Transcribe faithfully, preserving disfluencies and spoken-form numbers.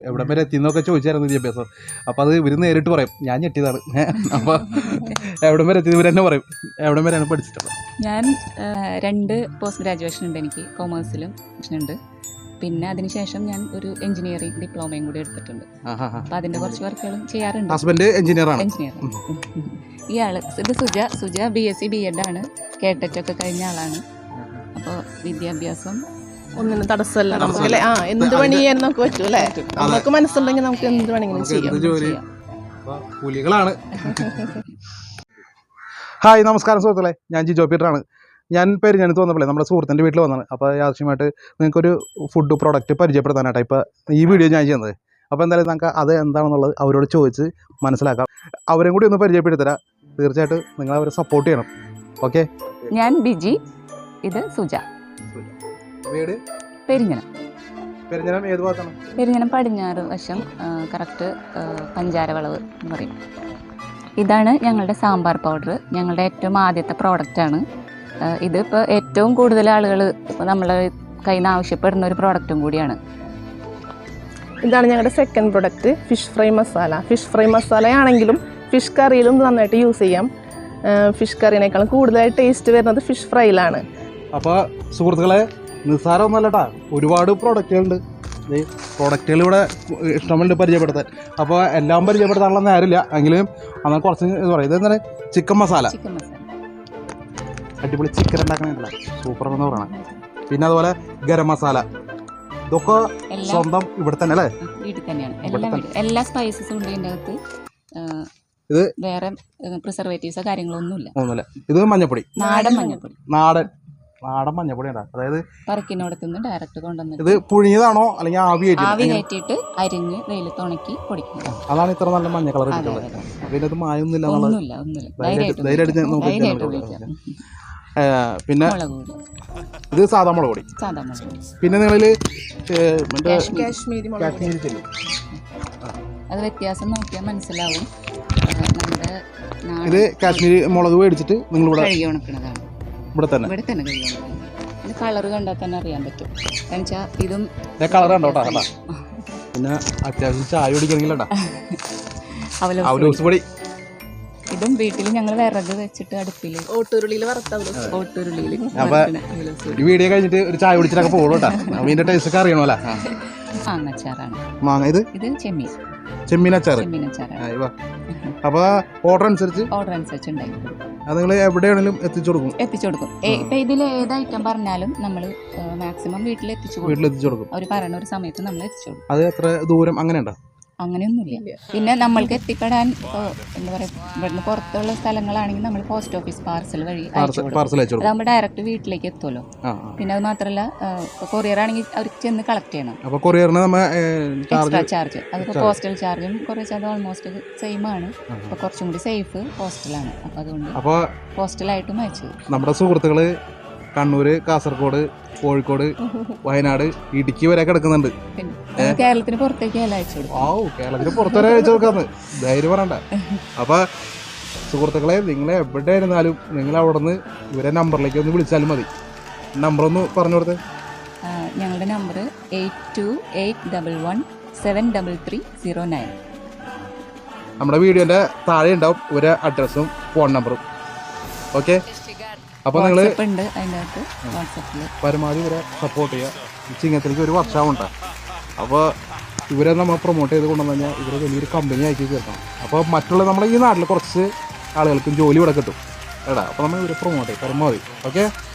എവിടെ വരെ എത്തിയെന്നൊക്കെ ചോദിച്ചായിരുന്നു വിദ്യാഭ്യാസം. അപ്പോൾ അത് ഇവർ നേരിട്ട് പറയും, ഞാൻ ഞെട്ടിയതാണ്. അപ്പോൾ എവിടെ വരെ എത്തിയത് ഇവർ തന്നെ പറയും. എവിടെ വരെയാണ് പഠിച്ചിട്ടുള്ളത്? ഞാൻ രണ്ട് പോസ്റ്റ് ഗ്രാജുവേഷൻ ഉണ്ട്, എനിക്ക് കൊമേഴ്സിലും ഉണ്ട്. പിന്നെ അതിനുശേഷം ഞാൻ ഒരു എഞ്ചിനീയറിംഗ് ഡിപ്ലോമയും കൂടി എടുത്തിട്ടുണ്ട്. അപ്പോൾ അതിൻ്റെ കുറച്ച് വർക്കുകളും ചെയ്യാറുണ്ട്. ഹസ്ബൻഡ് എഞ്ചിനീയറാണ്. എഞ്ചിനീയർ. ഇയാൾ ഇത് Suja. Suja B S C B Ed ആണ്, കേട്ടറ്റൊക്കെ കഴിഞ്ഞ ആളാണ്. അപ്പോൾ വിദ്യാഭ്യാസം ഒന്നിനും തടസ്സമല്ല നമുക്ക് അല്ലേ. ആ എന്ത് പണി ചെയ്യാൻ നമുക്ക് പറ്റും അല്ലേ. നമുക്ക് മനസ്സുണ്ടെങ്കിൽ നമുക്ക് എന്ത് വേണമെങ്കിലും ചെയ്യാം. പുലികളാണ്. ഹായ്, നമസ്കാരം സുഹൃത്തുക്കളെ, ഞാൻ ജിജോ പീറ്ററാണ്. ഞാൻ പെരിഞ്ഞാനത്ത് വന്നപ്പോഴേ നമ്മുടെ സുഹൃത്തിൻ്റെ വീട്ടിൽ വന്നതാണ്. അപ്പോൾ ആവശ്യമായിട്ട് നിങ്ങൾക്കൊരു ഫുഡ് പ്രോഡക്റ്റ് പരിചയപ്പെടുത്താനായിട്ട് ഇപ്പോൾ ഈ വീഡിയോ ഞാൻ ചെയ്യുന്നത്. അപ്പോൾ എന്തായാലും നമുക്ക് അത് എന്താണെന്നുള്ളത് അവരോട് ചോദിച്ച് മനസ്സിലാക്കാം. അവരും കൂടി ഒന്ന് പരിചയപ്പെടുത്തരാം. തീർച്ചയായിട്ടും നിങ്ങൾ അവരെ സപ്പോർട്ട് ചെയ്യണം. ഓക്കെ. ഞാൻ ബിജി, ഇത് സുജ. വീട് പെരിഞ്ഞനം. പെരിഞ്ഞനം ഏത് ഭാഗത്താണ്? പെരിഞ്ഞനം പടിഞ്ഞാറ് വശം, കറക്റ്റ് പഞ്ചാരവളവ് എന്ന് പറയും. ഇതാണ് ഞങ്ങളുടെ സാമ്പാർ പൗഡർ. ഞങ്ങളുടെ ഏറ്റവും ആദ്യത്തെ പ്രോഡക്റ്റാണ് ഇത്. ഇപ്പോൾ ഏറ്റവും കൂടുതൽ ആളുകൾ ഇപ്പോൾ നമ്മളെ കയ്യിൽ നിന്ന് ആവശ്യപ്പെടുന്ന ഒരു പ്രോഡക്റ്റും കൂടിയാണ്. ഇതാണ് ഞങ്ങളുടെ second product, fish fry masala. Fish fry മസാലയാണെങ്കിലും ഫിഷ് കറിയിലും നന്നായിട്ട് യൂസ് ചെയ്യാം. ഫിഷ് കറിനേക്കാളും കൂടുതലായിട്ട് ടേസ്റ്റ് വരുന്നത് ഫിഷ് ഫ്രൈയിലാണ്. അപ്പോൾ സുഹൃത്തുക്കളെ, നിസ്സാരമൊന്നുമല്ല കേട്ടോ, ഒരുപാട് പ്രോഡക്റ്റുകളുണ്ട്. ഈ പ്രോഡക്റ്റുകൾ ഇവിടെ ഇഷ്ടമുണ്ട് പരിചയപ്പെടുത്താൻ. അപ്പോൾ എല്ലാം പരിചയപ്പെടുത്താനുള്ള നേരമില്ല, എങ്കിലും എന്നാൽ കുറച്ച് ഇത് പറയും. ഇതെന്താണ്? ചിക്കൻ മസാല. ചിക്കൻ മസാല അടിപൊളി ചിക്കൻ ഉണ്ടാക്കണ സൂപ്പറാണെന്ന് പറയണം. പിന്നെ അതുപോലെ ഗരം മസാല, ഇതൊക്കെ സ്വന്തം ഇവിടെ തന്നെ അല്ലേ? വീട്ടിൽ തന്നെയാണ്. എല്ലാ എല്ലാ സ്പൈസസും ഉണ്ട് ഇതിൻ്റെ അകത്ത്. ഇത് വേറെ പ്രിസർവേറ്റീവ്സോ കാര്യങ്ങളൊന്നുമില്ല. ഒന്നുമില്ല. ഇത് മഞ്ഞപ്പൊടി, നാടൻ മഞ്ഞപ്പൊടി. നാടൻ നാടൻ മഞ്ഞപ്പൊടി ഉണ്ടാ. അതായത് പറക്കിനോടത്തുനിന്ന് ഡയറക്റ്റ് കൊണ്ടുവന്നിട്ട് ഇത് പുഴിഞ്ഞതാണോ അല്ലെങ്കിൽ ആവി ആവി കയറ്റിയിട്ട് അരിഞ്ഞ് വെയിലത്ത് ഉണക്കി പൊടിക്കുന്നത്. അതാണ് ഇത്ര നല്ല മഞ്ഞ കളർ കിട്ടുന്നത്. പിന്നെ അത് മായൊന്നുമില്ല. ഒന്നുമില്ല ഒന്നുമില്ല പിന്നെ ഇത് സാധാ മുളക് പൊടി. സാധാ മുളക് പൊടി. പിന്നെ നിങ്ങളിൽ കാശ്മീരി കാശ്മീരി ചില്ലി, അത് വ്യത്യാസം നോക്കിയാൽ മനസ്സിലാവും. ഇത് കാശ്മീരി മുളക് മേടിച്ചിട്ട് നിങ്ങൾ ഇവിടെ കഴുകി ഉണക്കുന്നതാണ്. ഇവിടെ തന്നെ ഇവിടെ തന്നെ കഴുകി ഉണക്കുന്നത്. ഇത് കളർ കണ്ടാൽ തന്നെ അറിയാൻ പറ്റും. കാരണം വെച്ചാൽ ഇതും കളർ കണ്ടോ കേട്ടോ. പിന്നെ അത്യാവശ്യം ചായ കുടിക്കണമെങ്കിലോ അവലോസ് പൊടി. ഇതും വീട്ടിൽ ഞങ്ങൾ വിറക് വെച്ചിട്ട് അടുപ്പിൽ ഓട്ടുരുളിയിൽ വറുത്ത ഓട്ടുരുളിയിൽ. ഈ വീഡിയോ കഴിഞ്ഞിട്ട് ഒരു ചായ കുടിച്ചിട്ടൊക്കെ പോകും കേട്ടോ. അതിന്റെ ടേസ്റ്റ് ഒക്കെ അറിയണമല്ലോ. മാങ്ങച്ചാറാണ്. മാങ്ങ. ഇത് ഇത് ചെമ്മീൻ. ചെമ്മീൻ അച്ചാർ. ചെമ്മീൻ അച്ചാറാണ്. അപ്പൊ ഓർഡർ അനുസരിച്ച് ഓർഡർ അനുസരിച്ച് ഉണ്ടായി അത് നിങ്ങൾ എവിടെയാണെങ്കിലും എത്തിച്ചു കൊടുക്കും. എത്തിച്ചു കൊടുക്കും. ഇപ്പൊ ഇതിൽ ഏത് ഐറ്റം പറഞ്ഞാലും നമ്മൾ മാക്സിമം വീട്ടിൽ എത്തിച്ചു വീട്ടിൽ എത്തിച്ചു കൊടുക്കും. അവർ പറയുന്ന ഒരു സമയത്ത് നമ്മൾ എത്തിച്ചു കൊടുക്കും. അത് എത്ര ദൂരം അങ്ങനെ ഉണ്ടോ? അങ്ങനെയൊന്നുമില്ല. പിന്നെ നമ്മൾക്ക് എത്തിപ്പെടാൻ എന്താ പറയുക, ഇവിടുന്ന് പുറത്തുള്ള സ്ഥലങ്ങളാണെങ്കിൽ നമ്മൾ പോസ്റ്റ് ഓഫീസ് പാർസൽ വഴി അതാകുമ്പോൾ ഡയറക്റ്റ് വീട്ടിലേക്ക് എത്തുമല്ലോ. പിന്നെ അത് മാത്രമല്ല, കൊറിയർ ആണെങ്കിൽ അവർക്ക് ചെന്ന് കളക്ട് ചെയ്യണം. Extra charge. അതിപ്പോൾ പോസ്റ്റൽ ചാർജും കുറേ ചാർജ് ഓൾമോസ്റ്റ് സെയിം ആണ്. അപ്പോൾ കുറച്ചും കൂടി സേഫ് പോസ്റ്റലാണ്. അപ്പോൾ അതുകൊണ്ട് പോസ്റ്റലായിട്ടും അയച്ചത്. നമ്മുടെ സുഹൃത്തുക്കള് കണ്ണൂര്, കാസർഗോഡ്, കോഴിക്കോട്, വയനാട്, ഇടുക്കി വരെ കിടക്കുന്നുണ്ട്. കേരളത്തിന് പുറത്തേക്ക് അയച്ചു കൊടുക്കും. ഓ, കേരളത്തിന് പുറത്തുവരെ അയച്ചു കൊടുക്കാന്ന് ധൈര്യം പറയണ്ട. അപ്പൊ സുഹൃത്തുക്കളെ, നിങ്ങൾ എവിടെ ഇരുന്നാലും നിങ്ങൾ അവിടെ നിന്ന് ഇവരെ നമ്പറിലേക്ക് ഒന്ന് വിളിച്ചാലും മതി. നമ്പർ ഒന്ന് പറഞ്ഞു കൊടുത്തേ. ഞങ്ങളുടെ number eight two eight double one seven double three zero nine. നമ്മുടെ വീഡിയോന്റെ താഴെ ഉണ്ടാവും ഇവരെ അഡ്രസ്സും ഫോൺ നമ്പറും. ഓക്കെ. അപ്പോൾ നിങ്ങൾ പരമാവധി ഇവരെ സപ്പോർട്ട് ചെയ്യുക. ചിങ്ങത്തിലേക്ക് ഒരു വർഷമാവുണ്ട. അപ്പോൾ ഇവരെ നമ്മൾ പ്രൊമോട്ട് ചെയ്ത് കൊണ്ടുവന്നു കഴിഞ്ഞാൽ ഇവരെ വലിയൊരു കമ്പനി ആക്കി തീർക്കണം. അപ്പോൾ മറ്റുള്ള നമ്മുടെ ഈ നാട്ടിൽ കുറച്ച് ആളുകൾക്കും ജോലി ഇവിടെ കിട്ടും. എടാ, അപ്പോൾ നമ്മൾ ഇവരെ പ്രൊമോട്ട് ചെയ്യും പരമാവധി. ഓക്കെ.